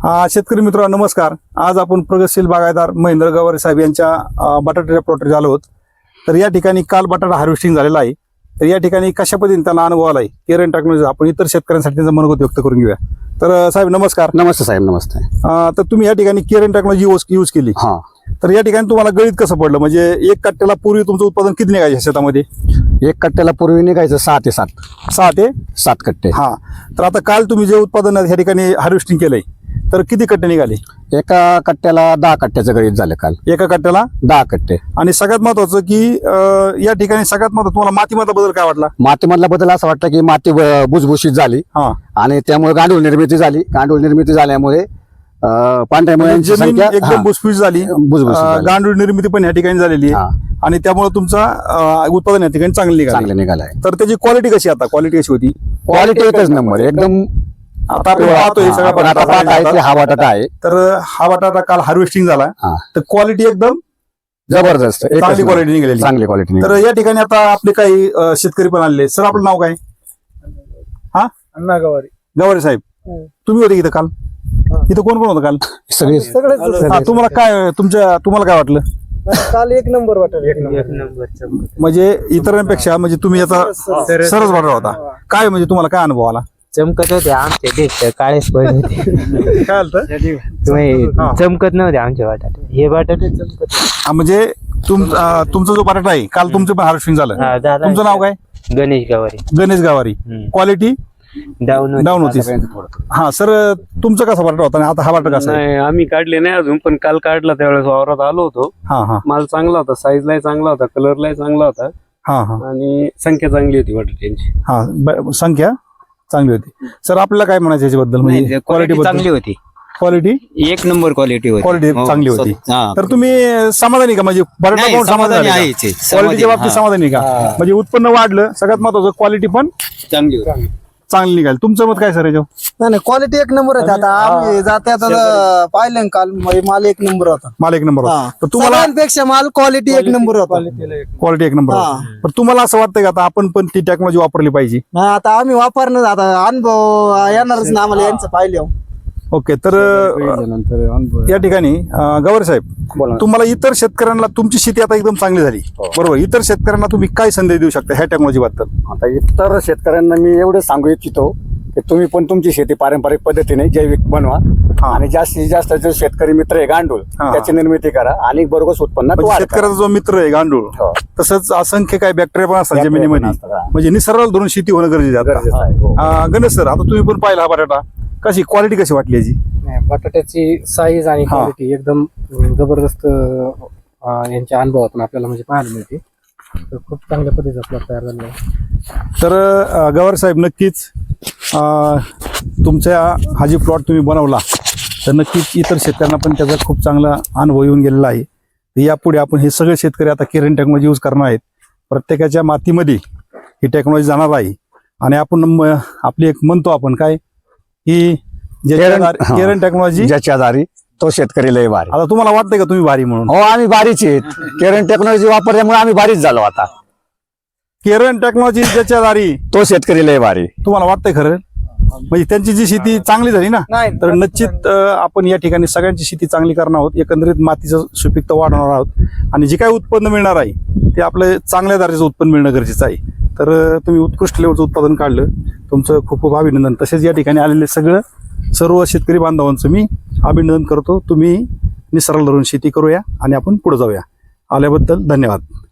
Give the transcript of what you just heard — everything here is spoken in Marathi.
शेतकरी मित्रांनो नमस्कार. आज आपण प्रगतशील बागायतदार महेंद्र गवारे साहेब यांच्या बटाट्याच्या प्लॉटवर झालो आहोत. तर या ठिकाणी काल बटाटा हार्वेस्टिंग झालेला आहे. तर या ठिकाणी कशा पद्धतीने त्यांना अनुभव आलाय केरन टेक्नॉलॉजी आपण इतर शेतकऱ्यांसाठी त्यांचं मनोगत व्यक्त करून घेऊया. तर साहेब नमस्कार. नमस्ते साहेब. नमस्ते. तर तुम्ही या ठिकाणी केरन टेक्नॉलॉजी यूज केली. हा. तर या ठिकाणी तुम्हाला गणित कसं पडलं, म्हणजे एक कट्ट्याला पूर्वी तुमचं उत्पादन किती निघायचं शेतामध्ये? एक कट्ट्याला पूर्वी निघायचं 6 ते 7. 6 ते 7 कट्टे. हा. तर आता काल तुम्ही जे उत्पादन या ठिकाणी हार्वेस्टिंग केलंय तर किती कट्टे निघाले? एका कट्ट्याला 10 कट्ट्याचं गणित झालं काल. एका कट्ट्याला 10 कट्टे. आणि सगळ्यात महत्वाचं की या ठिकाणी सगळ्यात महत्वाचं तुम्हाला मातीमधला बदल काय वाटला? मातीमधला बदल असं वाटतं की माती भुसभुशीत झाली हा. आणि त्यामुळे गांडूळ निर्मिती झाली. गांडूळ निर्मिती झाल्यामुळे पांढऱ्या मुळ्यांची जमीन संख्या एकदम भुसभुशीत झाली. भुसभुशीत झाली. गांडूळ निर्मिती पण या ठिकाणी झालेली हा. आहे आणि त्यामुळे तुमचा उत्पादन या ठिकाणी चांगलं चांगले निघालाय. तर त्याची क्वालिटी कशी आता क्वालिटी कशी होती? क्वालिटी एकच नंबर एकदम. आता आपण पाहतोय सगळा आपण आता पाहत आहे की हा बटाटा आहे. तर हा बटाटा काल हार्वेस्टिंग झाला हा. तर क्वालिटी एकदम जबरदस्त एकच चांगली नंबर. क्वालिटी निघालेली. चांगली क्वालिटी. तर या ठिकाणी आता आपले काही शेतकरी पण आलेले. सर आपलं नाव काय? हा, अण्णा गवारी. गवारे साहेब तुम्ही होते इथं काल? इथं कोण कोण होतं काल? सगळे हा, तुम्हाला काय तुम्हाला काय वाटलं? काल एक नंबर वाटत. एक नंबर म्हणजे इतरांपेक्षा म्हणजे तुम्ही आता सरस बटाटा होता काय, म्हणजे तुम्हाला काय अनुभव आला? चमकत होते आमचे देठ काळेच पडले होते. काय आलं? तुम्ही चमकत नव्हते आमचे बटाटे. हे बटाटे चमकत होते. म्हणजे तुमचा जो बटाटा आहे काल तुमचं पण हार्वेस्टिंग झालं. हा, झालं. तुमचं नाव काय? गणेश गवारी. गणेश गावारी. क्वालिटी डाऊन होती. हा सर, तुमचं कसा बटाटा होता आणि आता हा बटाटा कसा आहे? नाही आम्ही काढले नाही अजून, पण काल काढला त्यावेळेस वावरात आलो होतो. हा हा माल चांगला होता, साईजलाही चांगला होता, कलरलाही चांगला होता हा हा आणि संख्या चांगली होती बटाट्यांची. हा. संख्या चांगली होती. सर आपल्याला काय म्हणायचं याच्याबद्दल, म्हणजे क्वालिटी चांगली होती. क्वालिटी एक नंबर क्वालिटी होती. क्वालिटी हो, चांगली होती. हा. तर तुम्ही समाधानी का? म्हणजे बटाटा नाही, पाहून समाधानी समाधानी आहे आहे का? ते. क्वालिटीच्या बाबतीत समाधानी का? म्हणजे उत्पन्न वाढलं, सगळ्यात महत्वाचं क्वालिटी पण चांगली होती. चांगली निघाली. तुमचं मत काय सर याच्यावर? नाही क्वालिटी एक नंबर आहे. आता आम्ही जाते आता पाहिलं काल माल एक नंबर होता. माल एक नंबर होता. तर तुम्हाला सगळ्यांपेक्षा माल क्वालिटी एक नंबर होता. क्वालिटी एक नंबर हा. होता. पण तुम्हाला असं वाटतंय का आता आपण पण ती टेक्नॉलॉजी वापरली पाहिजे? नाही, आता आम्ही वापरणार. आता अनुभव येणारच ना आम्हाला यांचं पाहिले. ओके. तर या ठिकाणी गवारे साहेब तुम्हाला इतर शेतकऱ्यांना, तुमची शेती आता एकदम चांगली झाली बरोबर, इतर शेतकऱ्यांना तुम्ही काय संदेश देऊ शकता ह्या टेक्नॉलॉजी बद्दल? आता इतर शेतकऱ्यांना मी एवढं सांगू इच्छितो की तुम्ही पण तुमची शेती पारंपरिक पद्धतीने जैविक बनवा आणि जास्तीत जास्त जो शेतकरी मित्र आहे गांडूळ त्याची निर्मिती करा आणि बरोबर उत्पन्नात वाढ करा. शेतकऱ्याचा जो मित्र आहे गांडूळ हो. तसंच असंख्य काही बॅक्टेरिया पण असतात जमिनीमध्ये, असतात. म्हणजे निसर्गाला धरून शेती होणं गरजेचं गरजेचं आहे. आहे. हो. गणेश सर आता तुम्ही पण पाहिला हा बटाटा, कशी क्वालिटी कशी वाटली याची? बटाट्याची साईज आणि हा. क्वालिटी एकदम जबरदस्त यांच्या अनुभवातून आपल्याला म्हणजे पाहायला मिळते. तर खूप चांगल्या पद्धतीचा प्लॉट तयार झालेला आहे. तर गवारे साहेब नक्कीच तुमच्या हा जी प्लॉट तुम्ही बनवला तर नक्कीच इतर शेतकऱ्यांना पण त्याचा खूप चांगला अनुभव येऊन गेलेला आहे. यापुढे आपण हे सगळे शेतकरी आता केरन टेक्नॉलॉजी यूज करणार आहेत. प्रत्येकाच्या मातीमध्ये ही टेक्नॉलॉजी जाणार आहे आणि आपण आपली एक म्हणतो आपण काय की केरन टेक्नॉलॉजी ज्याच्या दारी तो शेतकरी लय भारी. आता तुम्हाला वाटतंय का तुम्ही भारी म्हणून? हो आम्ही भारीचे आहेत. केरन टेक्नॉलॉजी वापरल्यामुळे आम्ही भारीच झालो. आता केरन टेक्नॉलॉजी ज्याच्या दारी तो शेतकरी लय भारी. तुम्हाला वाटतंय खरं? म्हणजे त्यांची जी शेती चांगली झाली ना, तर निश्चित आपण या ठिकाणी सगळ्यांची शेती चांगली करणार आहोत. एकंदरीत मातीचं सुपीकता वाढवणार आहोत आणि जे काही उत्पन्न मिळणार आहे ते आपलं चांगल्या दर्जाचं उत्पन्न मिळणं गरजेचं आहे. तर तुम्ही उत्कृष्ट लेवलचं उत्पादन काढलं, तुमचं खूप खूप अभिनंदन. तसेच या ठिकाणी आलेले सर्व शेतकरी बांधवांचं मी अभिनंदन करतो. तुम्ही निसर्गाला धरून शेती करूया आणि आपण पुढे जाऊया. आल्याबद्दल धन्यवाद.